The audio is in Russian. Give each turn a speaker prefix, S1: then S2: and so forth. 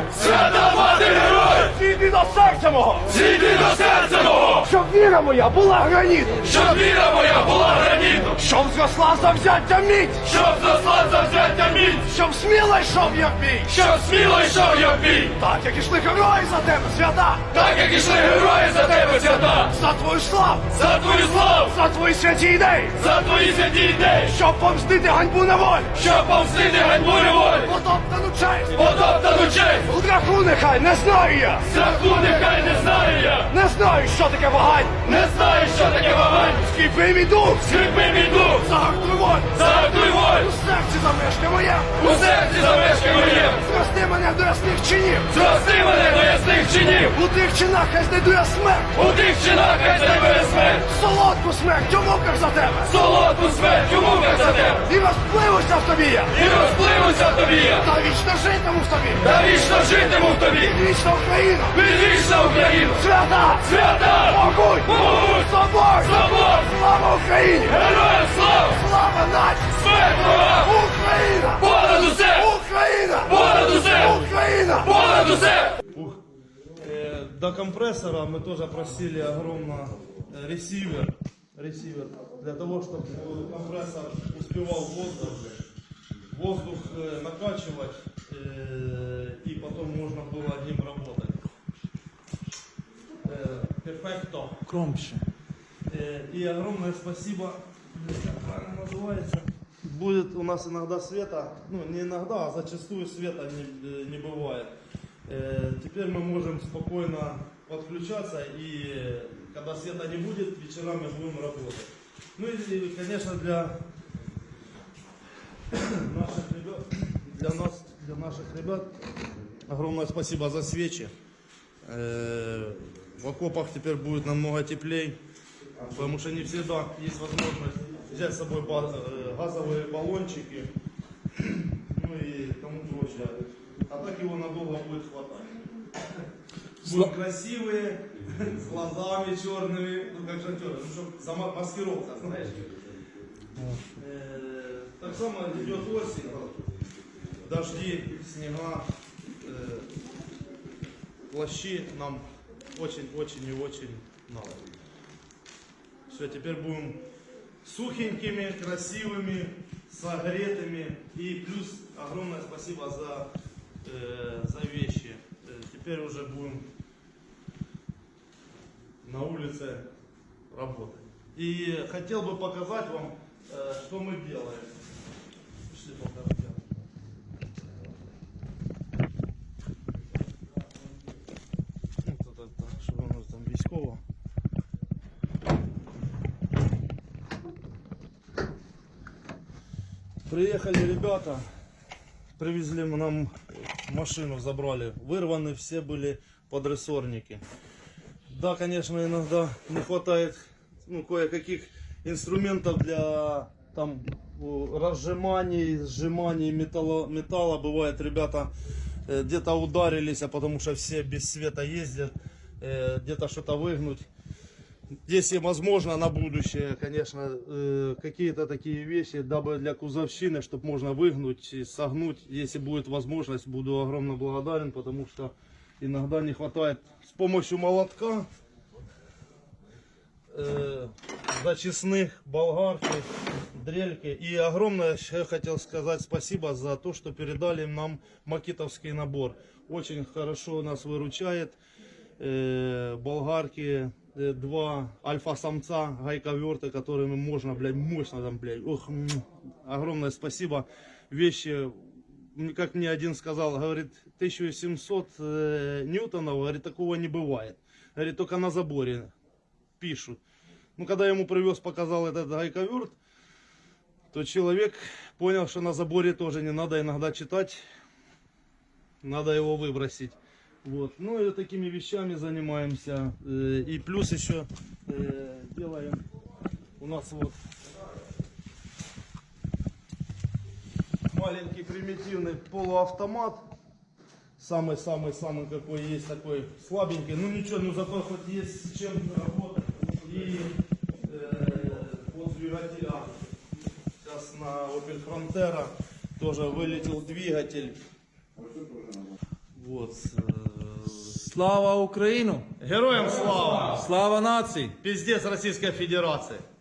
S1: Свята мати герой!
S2: Зійди до серця мого!
S1: Зійди до серця мого!
S2: Щоб віра моя була гранітом!
S1: Щоб віра моя була гранітом!
S2: Щоб зросла завзяття міць!
S1: Щоб зросла завзяття міць!
S2: Щоб сміло йшов я в бій!
S1: Щоб сміло йшов я в бій!
S2: Так, як ішли герої за тебе, свята!
S1: Так як ішли герої за тебе, свята!
S2: За твою славу!
S1: За твою славу!
S2: За твої святі ідеї!
S1: За твої святі ідеї!
S2: Щоб помстити ганьбу на волі!
S1: Щоб помстити ганьбу неволі!
S2: Потоптану честь!
S1: Потоптану честь!
S2: Страху нехай не знаю я!
S1: Страху нехай не знаю я!
S2: Не знаю, що таке вагань!
S1: Не знаю, що таке вагань!
S2: Скріпи мій дух!
S1: Скріпи мій дух!
S2: Загартуй волю!
S1: Загартуй волю!
S2: У серці замешка моє!
S1: У серці замешкай моє!
S2: Зрости мене до ясних чинів!
S1: Зрости мене до ясних чинів!
S2: У тих чинах хай знайду я смерть!
S1: У тих чинах хай знайде смерть!
S2: Солодку смерть у муках за тебе!
S1: Солодку смерть у муках за тебе!
S2: І розпливуся в тобі я!
S1: І розпливуся в тобі я!
S2: Та вічно житиму в тобі!
S1: Та вічно житиму в тобі!
S2: Вічна Україна!
S1: Відвічна Україна!
S2: Свята!
S1: Свята!
S2: Могуть!
S1: Могуть!
S2: Собор!
S1: Собор!
S2: Слава Україні!
S1: Героям слава!
S2: Слава нації!
S1: Смерть ворогам!
S2: Україна!
S1: Понад усе!
S2: Україна!
S1: Понад усе!
S2: Україна!
S1: Понад усе!
S3: До компрессора мы тоже просили огромно ресивер, для того, чтобы компрессор успевал воздух накачивать, и потом можно было одним работать. Перфекто.
S4: Громче.
S3: И огромное спасибо, как правильно называется. Будет у нас иногда света, ну не иногда, а зачастую света не бывает. Теперь мы можем спокойно подключаться, и когда света не будет, вечерами будем работать. Ну и, конечно, для наших ребят огромное спасибо за свечи. В окопах теперь будет намного теплее, потому что не всегда есть возможность взять с собой газовые баллончики, ну и тому прочее. А так его надолго будет хватать. Будут красивые, с глазами черными, ну как шахтеры, ну чтобы маскировка, знаешь. Так само идет осень, дожди, снега, плащи нам очень и очень надо. Все, теперь будем сухенькими, красивыми, согретыми. И плюс огромное спасибо за вещи. Теперь уже будем на улице работать. И хотел бы показать вам, что мы делаем. Пошли покажем. Что у нас там військово. Приехали ребята. Привезли нам машину, забрали. Вырваны все были подрессорники. Да, конечно, иногда не хватает кое-каких инструментов для там разжиманий, сжиманий металла. Бывает, ребята где-то ударились, а потому что все без света ездят, где-то что-то выгнуть. Если возможно на будущее, конечно, какие-то такие вещи, дабы для кузовщины, чтобы можно выгнуть и согнуть, если будет возможность, буду огромно благодарен, потому что иногда не хватает с помощью молотка, зачистных, болгарки, дрельки. И огромное я хотел сказать спасибо за то, что передали нам макитовский набор. Очень хорошо нас выручает. Болгарки, 2 альфа-самца, гайковерты, которыми можно, блядь, мощно там, блядь, ох, огромное спасибо. Вещи, как мне один сказал, говорит, 1700 ньютонов, говорит, такого не бывает. Говорит, только на заборе пишут. Ну, когда я ему привез, показал этот гайковерт, то человек понял, что на заборе тоже не надо иногда читать, надо его выбросить. Вот. Ну и такими вещами занимаемся. И плюс еще делаем у нас вот маленький примитивный полуавтомат. Самый-самый-самый какой есть, такой слабенький. Ну ничего, ну зато хоть есть с чем работать. И вот двигателя. Сейчас на Opel Frontera тоже вылетел двигатель. Вот.
S4: Слава Україну!
S3: Героям слава!
S4: Слава нації!
S3: Пиздец Российской Федерации!